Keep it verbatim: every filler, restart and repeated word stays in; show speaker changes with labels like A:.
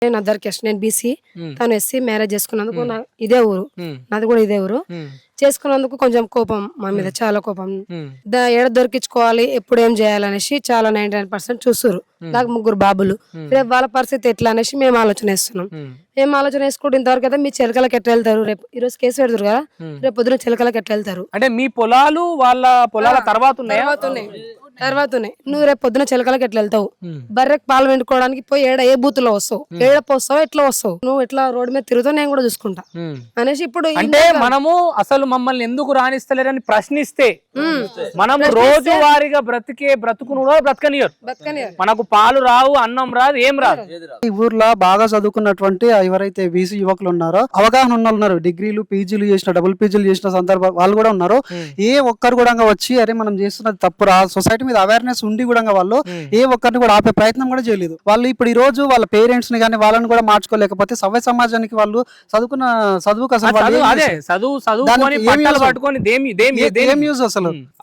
A: నేను other caste, నేను BC,
B: um,
A: తను ఎస్సీ. మ్యారేజ్ చేసుకున్నందుకు
B: ఉమ్,
A: నా ఇదే ఊరు,
B: ఉమ్,
A: నాది కూడా ఇదే ఊరు.
B: ఉమ్,
A: చేసుకున్నందుకు కొంచెం కోపం మా మీద,
B: ఉమ్,
A: చాలా కోపం.
B: ఉమ్,
A: దా ఏడ దొరికించుకోవాలి, ఎప్పుడు ఏం చేయాలనేసి చాలా నైన్టీ నైన్ పర్సెంట్ చూస్తురు.
B: ఉమ్,
A: నాకు ముగ్గురు బాబులు,
B: ఉమ్,
A: రేపు వాళ్ళ పరిస్థితి ఎట్లా అనేసి మేము ఆలోచన వేస్తున్నాం.
B: ఉమ్,
A: మేము ఆలోచన వేసుకుంటే ఇంతవరకు అయితే మీ చిలకలకి ఎట్లా వెళ్తారు, రేపు ఈ రోజు కేసు పెడతారు కదా,
B: ఉమ్.
A: రేపు పొద్దున చిలకలకి ఎట్లా వెళ్తారు.
B: అంటే మీ పొలాలు వాళ్ళ పొలాల తర్వాత ఉన్నాయా?
A: తర్వాత ఉన్నాయి, తర్వాత ఉన్నాయి. నువ్వు రేపు పొద్దున చిలకలకి ఎట్లా వెళ్తావు,
B: ఉమ్,
A: బర్రెకి పాలు వెండుకోవడానికి పోయి ఏడ ఏ బూత్ లో వస్తావు,
B: ఉమ్,
A: ఏడ పోస్తావు, ఎట్లా వస్తావు, నువ్వు ఎట్లా రోడ్డు మీద తిరుగుతావు, నేను కూడా చూసుకుంటా
B: ఉమ్.
A: అనేసి ఇప్పుడు
B: అంటే మనము అసలు మమ్మల్ని ఎందుకు రాణిస్తలేరని ప్రశ్నిస్తే మనం రోజు వారిగా బ్రతికే బ్రతుకును కూడా బ్రతకనియరు.
A: బతకని
B: మనకు పాలు రావు, అన్నం రాదు, ఏం రాదు.
C: ఈ ఊర్లో బాగా చదువుకున్నటువంటి ఎవరైతే బీసీ యువకులు ఉన్నారో, అవగాహన ఉన్న వాళ్ళు ఉన్నారు, డిగ్రీలు పీజీలు చేసిన, డబుల్ పీజీలు చేసిన సందర్భాలు వాళ్ళు కూడా ఉన్నారు.
B: ఉమ్,
C: ఏ ఒక్కరు కూడా వచ్చి అరే మనం చేస్తున్నది తప్పురా, సొసైటీ మీద అవేర్నెస్ ఉండి కూడా వాళ్ళు
B: ఉమ్,
C: ఏ ఒక్కరిని కూడా ఆపే ప్రయత్నం కూడా చేయలేదు. వాళ్ళు ఇప్పుడు ఈ రోజు వాళ్ళ పేరెంట్స్ ని కానీ వాళ్ళని కూడా మార్చుకోలేకపోతే సవ్య సమాజానికి వాళ్ళు చదువుకున్న చదువుకు
B: ఆ
C: అసలు వాళ్ళు
B: చదువు
C: ఏం
B: అదే
C: చేస్తారు?
B: చదువు
C: దానికి
B: చదువుకొని
C: ఏం
B: పట్టాలు
C: use?
B: పట్టుకొని దేమి దేమి
C: ఏ-
B: దేని
C: ఏం యూజ్ అసలు?
B: ఉమ్.